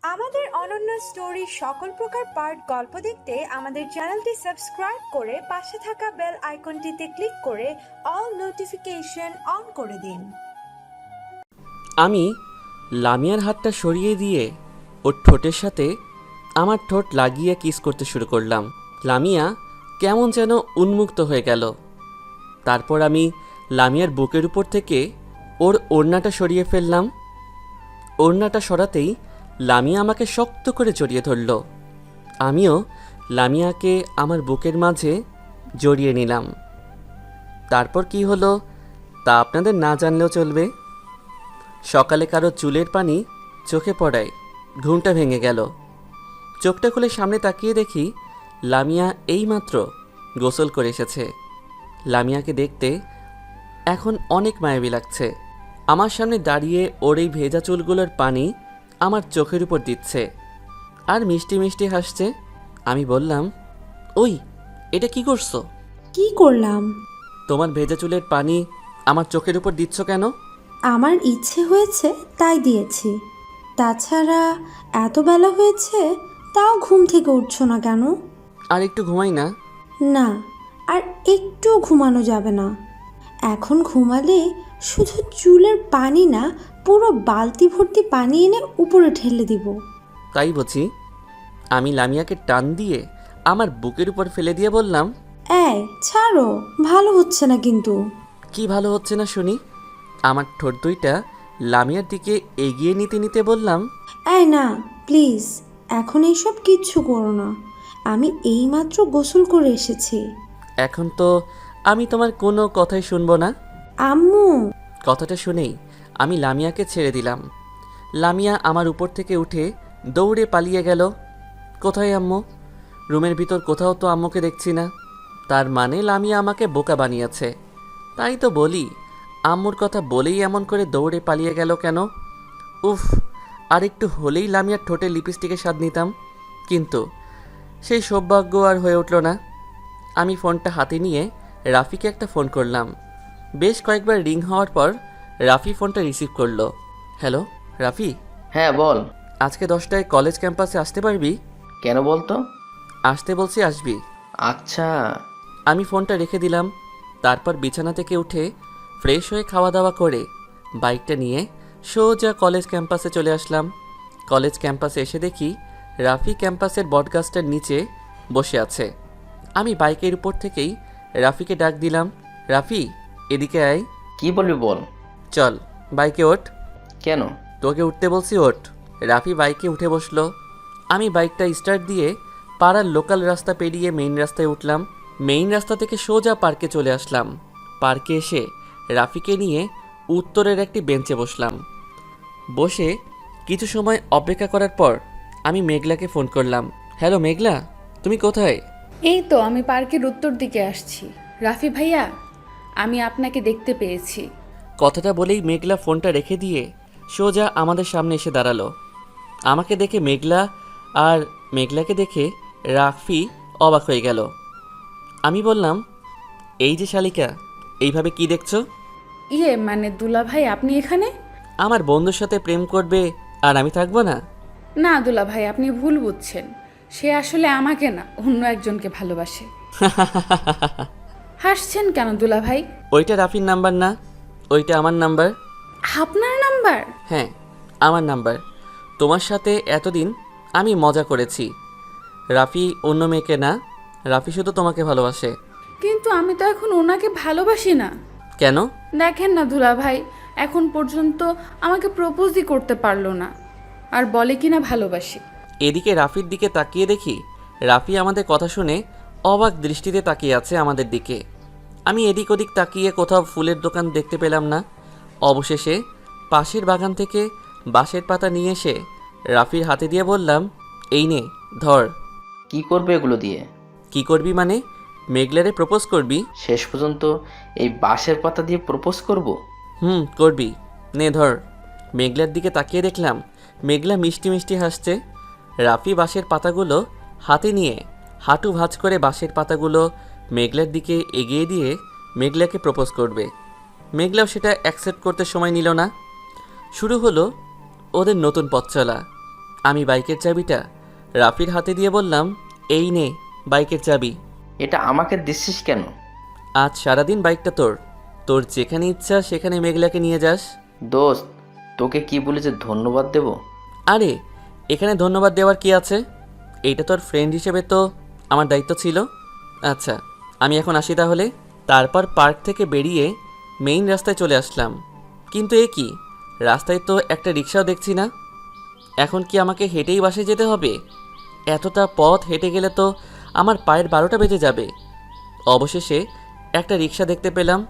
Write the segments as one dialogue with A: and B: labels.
A: আমাদের অনন্য স্টোরি সকল প্রকার পার্ট গল্প দেখতে আমাদের চ্যানেলটি সাবস্ক্রাইব করে পাশে থাকা বেল আইকনটিতে ক্লিক করে অল নোটিফিকেশন অন করে দিন।
B: আমি লামিয়ার হাতটা সরিয়ে দিয়ে ওর ঠোঁটের সাথে আমার ঠোঁট লাগিয়ে কিস করতে শুরু করলাম। লামিয়া কেমন যেন উন্মুক্ত হয়ে গেল। তারপর আমি লামিয়ার বুকের উপর থেকে ওর ওড়নাটা সরিয়ে ফেললাম। ওড়নাটা সরাতেই লামিয়া আমাকে শক্ত করে জড়িয়ে ধরল। আমিও লামিয়াকে আমার বুকের মাঝে জড়িয়ে নিলাম। তারপর কি হলো তা আপনাদের না জানলেও চলবে। সকালে কারো চুলের পানি চোখে পড়ায় ঘুমটা ভেঙে গেল। চোখটা খুলে সামনে তাকিয়ে দেখি লামিয়া এইমাত্র গোসল করে এসেছে। লামিয়াকে দেখতে এখন অনেক মায়াবী লাগছে। আমার সামনে দাঁড়িয়ে ওর এই ভেজা চুলগুলোর পানি আমার চোখের উপর দিচ্ছে আর মিষ্টি মিষ্টি হাসছে। আমি বললাম, ওই এটা কি করছো?
C: কি করলাম?
B: তোমার ভেজা চুলের পানি আমার চোখের উপর দিচ্ছ কেন?
C: আমার ইচ্ছে হয়েছে তাই দিয়েছি। তাছাড়া এত বেলা হয়েছে তাও ঘুম থেকে উঠছো না কেন?
B: আর একটু ঘুমাই না?
C: না, আর একটু ঘুমানো যাবে না। এখন ঘুমালে শুধু চুলের পানি না, পুরো বালতি ভর্তি পানি এনে উপরে ঢেলে দিব।
B: তাই বুঝি? আমি লামিয়াকে টান দিয়ে আমার বুকের উপর ফেলে দিয়ে বললাম,
C: এই ছাড়ো, ভালো হচ্ছে না কিন্তু।
B: কি ভালো হচ্ছে না শুনি? আমার ঠোঁট দুইটা লামিয়ার দিকে এগিয়ে নিতে নিতে বললাম,
C: এই না, প্লিজ এখন এইসব কিচ্ছু করো না। আমি এইমাত্র গোসল করে এসেছি।
B: এখন তো আমি তোমার কোনো কথাই শুনবো না।
C: আম্মু!
B: কথাটা শুনেই আমি লামিয়াকে ছেড়ে দিলাম। লামিয়া আমার উপর থেকে উঠে দৌড়ে পালিয়ে গেল। কোথায় আম্মু? রুমের ভিতর কোথাও তো আম্মুকে দেখছি না। তার মানে লামিয়া আমাকে বোকা বানিয়েছে। তাই তো বলি, আম্মুর কথা বলেই এমন করে দৌড়ে পালিয়ে গেল কেন? উফ, আর একটু হলেই লামিয়ার ঠোঁটে লিপস্টিকের স্বাদ নিতাম, কিন্তু সেই সৌভাগ্য আর হয়ে উঠল না। আমি ফোনটা হাতে নিয়ে রাফিকে একটা ফোন করলাম। বেশ কয়েকবার রিং হওয়ার পর রাফি ফোনটা রিসিভ করলো। হ্যালো রাফি।
D: হ্যাঁ বল।
B: আজকে 10টায় কলেজ ক্যাম্পাসে আসতে পারবি?
D: কেন বলতো?
B: আসতে বলছি, আসবি।
D: আচ্ছা।
B: আমি ফোনটা রেখে দিলাম। তারপর বিছানা থেকে উঠে ফ্রেশ হয়ে খাওয়া দাওয়া করে বাইকটা নিয়ে সোজা কলেজ ক্যাম্পাসে চলে আসলাম। কলেজ ক্যাম্পাসে এসে দেখি রাফি ক্যাম্পাসের বটগাছটার নিচে বসে আছে। আমি বাইকের উপর থেকেই রাফিকে ডাক দিলাম, রাফি এদিকে আয়।
D: কি বলবি বল।
B: চল বাইকে ওঠ।
D: কেন?
B: তোকে উঠতে বলছি, ওঠ। রাফি বাইকে উঠে বসলো। আমি বাইকটা স্টার্ট দিয়ে পাড়ার লোকাল রাস্তা পেরিয়ে মেইন রাস্তায় উঠলাম। মেইন রাস্তা থেকে সোজা পার্কে চলে আসলাম। পার্কে এসে রাফিকে নিয়ে উত্তরের একটি বেঞ্চে বসলাম। বসে কিছু সময় অপেক্ষা করার পর আমি মেঘলাকে ফোন করলাম। হ্যালো মেঘলা, তুমি কোথায়?
E: এই তো আমি পার্কের উত্তর দিকে আসছি। রাফি ভাইয়া, আমি আপনাকে দেখতে পেয়েছি।
B: কথাটা বলেই মেঘলা ফোনটা রেখে দিয়ে সোজা আমাদের সামনে এসে দাঁড়ালো। আমাকে দেখে মেঘলা আর মেঘলাকে দেখে রাফি অবাক হয়ে গেল। আমি বললাম, এই যে শালিকা, এইভাবে কি দেখছো?
E: মানে দুলা ভাই আপনি এখানে?
B: আমার বন্ধুর সাথে প্রেম করবে আর আমি থাকবো না?
E: না দুলা ভাই, আপনি ভুল বুঝছেন। সে আসলে আমাকে না, অন্য একজনকে ভালোবাসে। হাসছেন কেন দুলা ভাই?
B: ওইটা রাফির নাম্বার না, ওইটা আমার নাম্বার।
E: আপনার নাম্বার?
B: হ্যাঁ, আমার নাম্বার। তোমার সাথে এতদিন আমি মজা করেছি। রাফি অন্য মেয়েকে না, রাফি শুধু তোমাকে ভালোবাসে।
E: কিন্তু আমি তো এখন ওনাকে ভালোবাসি না।
B: কেন?
E: দেখেন না দুলা ভাই, এখন পর্যন্ত আমাকে প্রপোজই করতে পারলো না, আর বলে কিনা ভালোবাসি।
B: এদিকে রাফির দিকে তাকিয়ে দেখি রাফি আমাদের কথা শুনে অবাক দৃষ্টিতে তাকিয়ে আছে আমাদের দিকে। আমি এদিক ওদিক তাকিয়ে কোথাও ফুলের দোকান দেখতে পেলাম না। অবশেষে পাশের বাগান থেকে বাঁশের পাতা নিয়ে এসে রাফির হাতে দিয়ে বললাম, এই নে ধর।
D: কি করবে এগুলো দিয়ে?
B: কি করবি মানে? মেঘলারে প্রপোজ করবি?
D: শেষ পর্যন্ত এই বাঁশের পাতা দিয়ে প্রপোজ করব?
B: করবি, নে ধর। মেঘলার দিকে তাকিয়ে দেখলাম মেঘলা মিষ্টি মিষ্টি হাসছে। রাফি বাঁশের পাতাগুলো হাতে নিয়ে হাঁটু ভাঁজ করে বাঁশের পাতাগুলো মেঘলার দিকে এগিয়ে দিয়ে মেঘলাকে প্রপোজ করবে। মেঘলাও সেটা অ্যাকসেপ্ট করতে সময় নিল না। শুরু হলো ওদের নতুন পথ চলা। আমি বাইকের চাবিটা রাফির হাতে দিয়ে বললাম, এই নে বাইকের চাবি।
D: এটা আমাকে দিচ্ছিস কেন?
B: আজ সারাদিন বাইকটা তোর, তোর যেখানে ইচ্ছা সেখানে মেঘলাকে নিয়ে যাস।
D: দোস্ত, তোকে কি বলে যে ধন্যবাদ দেব?
B: আরে এখানে ধন্যবাদ দেওয়ার কি আছে? এইটা তোর ফ্রেন্ড হিসেবে তো আমার দায়িত্ব ছিল। আচ্ছা আমি এখন আসি তাহলে। তারপর পার্ক থেকে বেরিয়ে মেইন রাস্তায় চলে আসলাম, কিন্তু এ কি, রাস্তায় তো একটা রিক্সাও দেখছি না। এখন কি আমাকে হেঁটেই বাসে যেতে হবে? এতটা পথ হেঁটে গেলে তো আমার পায়ের 12টা বেজে যাবে। অবশেষে একটা রিক্সা দেখতে পেলাম।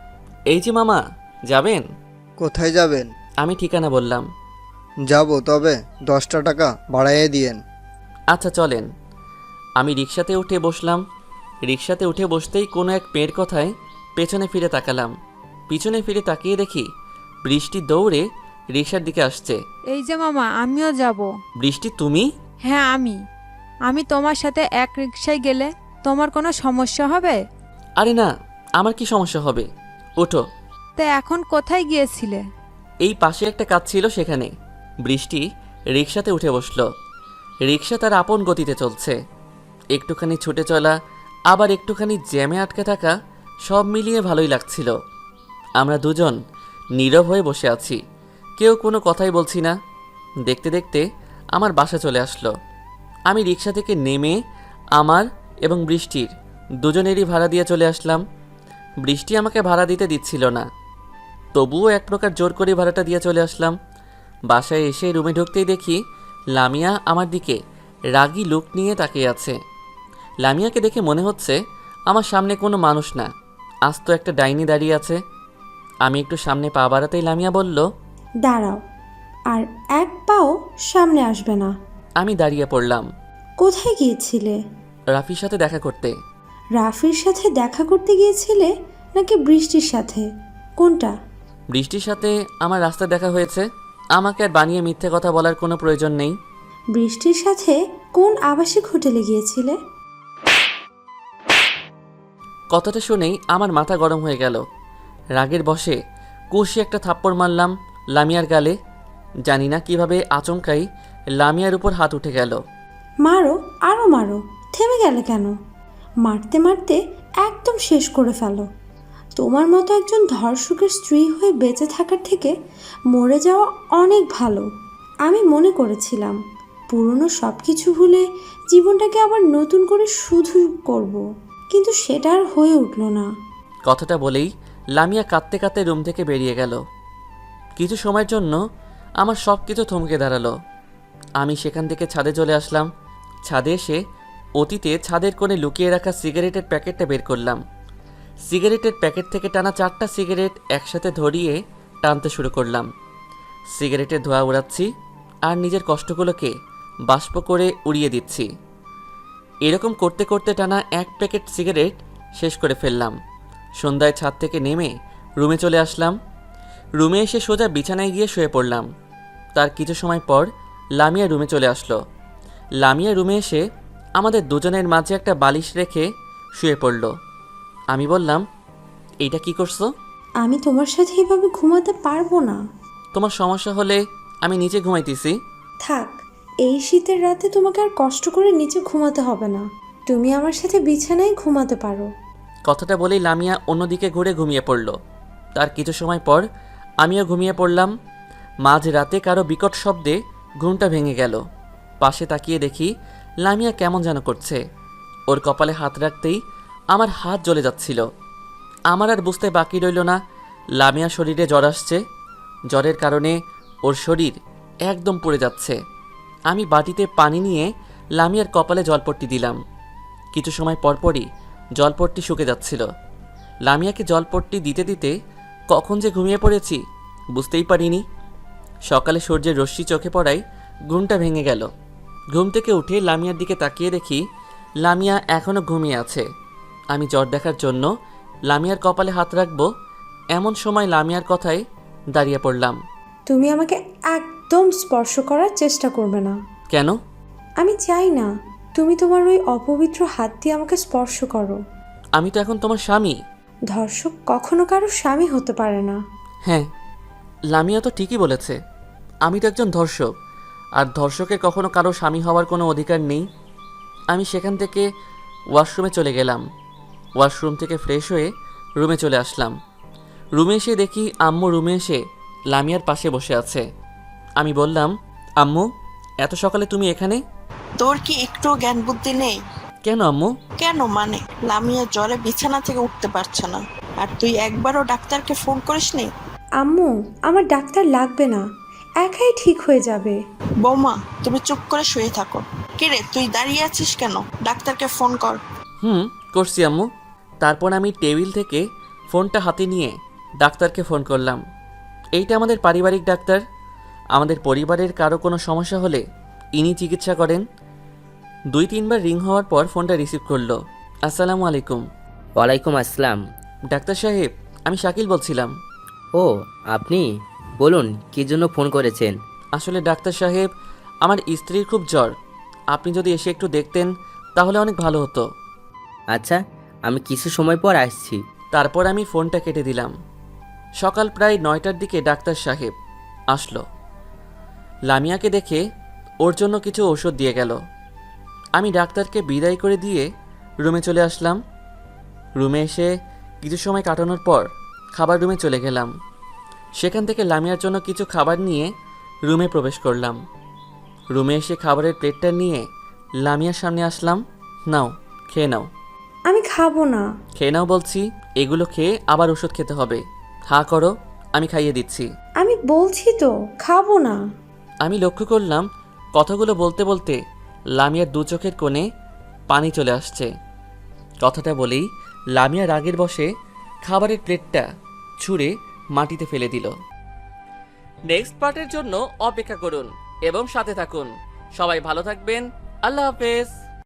B: এই যে মামা, যাবেন?
F: কোথায় যাবেন?
B: আমি ঠিকানা বললাম।
F: যাব, তবে 10টা টাকা বাড়াইয়ে দিয়েন।
B: আচ্ছা চলেন। আমি রিক্সাতে উঠে বসলাম। রিক্সাতে উঠে বসতেই কোনো এক মেয়ের কথায় পেছনে ফিরে তাকালাম। পিছনে ফিরে তাকিয়ে দেখি বৃষ্টি দৌড়ে রিক্সার দিকে আসছে।
G: এই যে মামা, আমিও যাব।
B: বৃষ্টি তুমি?
G: হ্যাঁ আমি তোমার সাথে এক রিকশায় গেলে তোমার কোনো সমস্যা হবে?
B: আরে না, আমার কি সমস্যা হবে, ওঠো।
G: তা এখন কোথায় গিয়েছিলে?
B: এই পাশে একটা কাজ ছিল সেখানে। বৃষ্টি রিক্সাতে উঠে বসলো। রিক্সা তার আপন গতিতে চলছে। একটুখানি ছুটে চলা, আবার একটুখানি জ্যামে আটকে থাকা, সব মিলিয়ে ভালোই লাগছিল। আমরা দুজন নীরব হয়ে বসে আছি, কেউ কোনো কথাই বলছি না। দেখতে দেখতে আমার বাসা চলে আসলো। আমি রিক্সা থেকে নেমে আমার এবং বৃষ্টির দুজনেরই ভাড়া দিয়ে চলে আসলাম। বৃষ্টি আমাকে ভাড়া দিতে দিচ্ছিল না, তবুও এক প্রকার জোর করে ভাড়াটা দিয়ে চলে আসলাম। বাসায় এসে রুমে ঢুকতেই দেখি লামিয়া আমার দিকে রাগী লুক নিয়ে তাকিয়ে আছে। লামিয়াকে দেখে মনে হচ্ছে আমার সামনে কোনো মানুষ না, আস্ত একটা ডাইনি দাঁড়িয়ে আছে। আমি একটু সামনে পা বাড়াতেই লামিয়া বলল,
C: দাঁড়াও, আর এক পাও সামনে আসবে না।
B: আমি দাঁড়িয়ে পড়লাম।
C: কোথায় গিয়েছিলে?
B: রাফির সাথে দেখা করতে।
C: রাফির সাথে দেখা করতে গিয়েছিলে নাকি বৃষ্টির সাথে? কোনটা?
B: বৃষ্টির সাথে আমার রাস্তায় দেখা হয়েছে। আমাকে আর বানিয়ে মিথ্যে কথা বলার কোনো প্রয়োজন নেই।
C: বৃষ্টির সাথে কোন আবাসিক হোটেলে গিয়েছিলে?
B: কথাটা শুনেই আমার মাথা গরম হয়ে গেল। রাগের বশে কষি একটা থাপ্পড় মারলাম লামিয়ার গালে। জানি না কিভাবে আচমকাই লামিয়ার উপর হাত উঠে গেল।
C: মারো, আরও মারো, থেমে গেলে কেন? মারতে মারতে একদম শেষ করে ফেলো। তোমার মতো একজন ধর্ষকের স্ত্রী হয়ে বেঁচে থাকার থেকে মরে যাওয়া অনেক ভালো। আমি মনে করেছিলাম পুরনো সব কিছু ভুলে জীবনটাকে আবার নতুন করে শুধু করব, কিন্তু সেটা আর হয়ে উঠল না।
B: কথাটা বলেই লামিয়া কাঁদতে কাঁদতে রুম থেকে বেরিয়ে গেল। কিছু সময়ের জন্য আমার সব কিছু থমকে দাঁড়ালো। আমি সেখান থেকে ছাদে চলে আসলাম। ছাদে এসে অতীতে ছাদের কোণে লুকিয়ে রাখা সিগারেটের প্যাকেটটা বের করলাম। সিগারেটের প্যাকেট থেকে টানা 4টা সিগারেট একসাথে ধরিয়ে টানতে শুরু করলাম। সিগারেটের ধোঁয়া উড়াচ্ছি আর নিজের কষ্টগুলোকে বাষ্প করে উড়িয়ে দিচ্ছি। এরকম করতে করতে টানা 1 প্যাকেট সিগারেট শেষ করে ফেললাম। সন্ধ্যায় ছাদ থেকে নেমে রুমে চলে আসলাম। রুমে এসে সোজা বিছানায় গিয়ে শুয়ে পড়লাম। তার কিছু সময় পর লামিয়া রুমে চলে আসলো। লামিয়া রুমে এসে আমাদের দুজনের মাঝে একটা বালিশ রেখে শুয়ে পড়ল। আমি বললাম, এইটা কি করছো?
C: আমি তোমার সাথে এভাবে ঘুমাতে পারবো না।
B: তোমার সমস্যা হলে আমি নিচে ঘুমাইতেছি।
C: থাক, এই শীতের রাতে তোমাকে আর কষ্ট করে নিচে ঘুমাতে হবে না। তুমি আমার সাথে বিছানায় ঘুমাতে পারো।
B: কথাটা বলেই লামিয়া অন্যদিকে ঘুরে ঘুমিয়ে পড়ল। তার কিছু সময় পর আমিও ঘুমিয়ে পড়লাম। মাঝ রাতে কারো বিকট শব্দে ঘুমটা ভেঙে গেল। পাশে তাকিয়ে দেখি লামিয়া কেমন যেন করছে। ওর কপালে হাত রাখতেই আমার হাত জ্বলে যাচ্ছিল। আমার আর বুঝতে বাকি রইল না লামিয়া শরীরে জ্বর আসছে। জ্বরের কারণে ওর শরীর একদম পুড়ে যাচ্ছে। আমি বাটিতে পানি নিয়ে লামিয়ার কপালে জলপট্টি দিলাম। কিছু সময় পরপরই জলপট্টি শুকে যাচ্ছিল। লামিয়াকে জলপট্টি দিতে দিতে কখন যে ঘুমিয়ে পড়েছি বুঝতেই পারিনি। সকালে সূর্যের রশ্মি চোখে পড়ায় ঘুমটা ভেঙে গেল। ঘুম থেকে উঠে লামিয়ার দিকে তাকিয়ে দেখি লামিয়া এখনও ঘুমিয়ে আছে। আমি জ্বর দেখার জন্য লামিয়ার কপালে হাত রাখবো, এমন সময় লামিয়ার কথায় দাঁড়িয়ে পড়লাম।
C: তুমি আমাকে একদম স্পর্শ করার চেষ্টা করবে না।
B: কেন?
C: আমি চাই না তুমি তোমার ওই অপবিত্র হাত দিয়ে আমাকে স্পর্শ করো।
B: আমি তো এখন তোমার স্বামী।
C: ধর্ষক কখনো কারো স্বামী হতে পারে না।
B: হ্যাঁ, লামিয়া তো ঠিকই বলেছে। আমি তো একজন ধর্ষক, আর ধর্ষকের কখনো কারো স্বামী হওয়ার কোনো অধিকার নেই। আমি সেখান থেকে ওয়াশরুমে চলে গেলাম। ওয়াশরুম থেকে ফ্রেশ হয়ে রুমে চলে আসলাম। রুমে এসে দেখি আম্মু রুমে এসে লামিয়ার পাশে বসে আছে। আমি বললাম, আম্মু এত সকালে তুমি এখানে?
H: তোর কি একটু জ্ঞান বুদ্ধি নেই?
B: কেন আম্মু?
H: কেন মানে, লামিয়া জ্বরে বিছানা থেকে উঠতে পারছে না, আর তুই একবারও ডাক্তারকে ফোন করিসনি?
C: আম্মু, আমার ডাক্তার লাগবে না, একাই ঠিক হয়ে যাবে।
H: বৌমা, তুমি চুপ করে শুয়ে থাকো। কিরে, তুই দাঁড়িয়ে আছিস কেন? ডাক্তারকে ফোন কর।
B: করছি আম্মু। তারপর আমি টেবিল থেকে ফোনটা হাতে নিয়ে ডাক্তারকে ফোন করলাম। এইটা আমাদের পারিবারিক ডাক্তার। আমাদের পরিবারের কারো কোনো সমস্যা হলে ইনি চিকিৎসা করেন। 2-3 বার রিং হওয়ার পর ফোনটা রিসিভ করলো। আসসালামু আলাইকুম।
I: ওয়ালাইকুম আসসালাম।
B: ডাক্তার সাহেব, আমি শাকিল বলছিলাম।
I: ও আপনি, বলুন কী জন্য ফোন করেছেন?
B: আসলে ডাক্তার সাহেব, আমার স্ত্রীর খুব জ্বর। আপনি যদি এসে একটু দেখতেন তাহলে অনেক ভালো হতো।
I: আচ্ছা, আমি কিছু সময় পর আসছি।
B: তারপর আমি ফোনটা কেটে দিলাম। সকাল প্রায় 9টার দিকে ডাক্তার সাহেব আসলো। লামিয়াকে দেখে ওর জন্য কিছু ওষুধ দিয়ে গেল। আমি ডাক্তারকে বিদায় করে দিয়ে রুমে চলে আসলাম। রুমে এসে কিছু সময় কাটানোর পর খাবার রুমে চলে গেলাম। সেখান থেকে লামিয়ার জন্য কিছু খাবার নিয়ে রুমে প্রবেশ করলাম। রুমে এসে খাবারের প্লেটটা নিয়ে লামিয়ার সামনে আসলাম। নাও, খেয়ে নাও।
C: আমি খাবো না।
B: খেয়ে নাও বলছি। এগুলো খেয়ে আবার ওষুধ খেতে হবে। হাঁ করো, আমি খাইয়ে দিচ্ছি।
C: আমি বলছি তো খাবো না।
B: আমি লক্ষ্য করলাম কথাগুলো বলতে বলতে লামিয়ার 2 চোখের কোণে পানি চলে আসছে। কথাটা বলেই লামিয়া রাগের বশে খাবারের প্লেটটা ছুঁড়ে মাটিতে ফেলে দিল। নেক্সট পার্টের জন্য অপেক্ষা করুন এবং সাথে থাকুন। সবাই ভালো থাকবেন। আল্লাহ হাফেজ।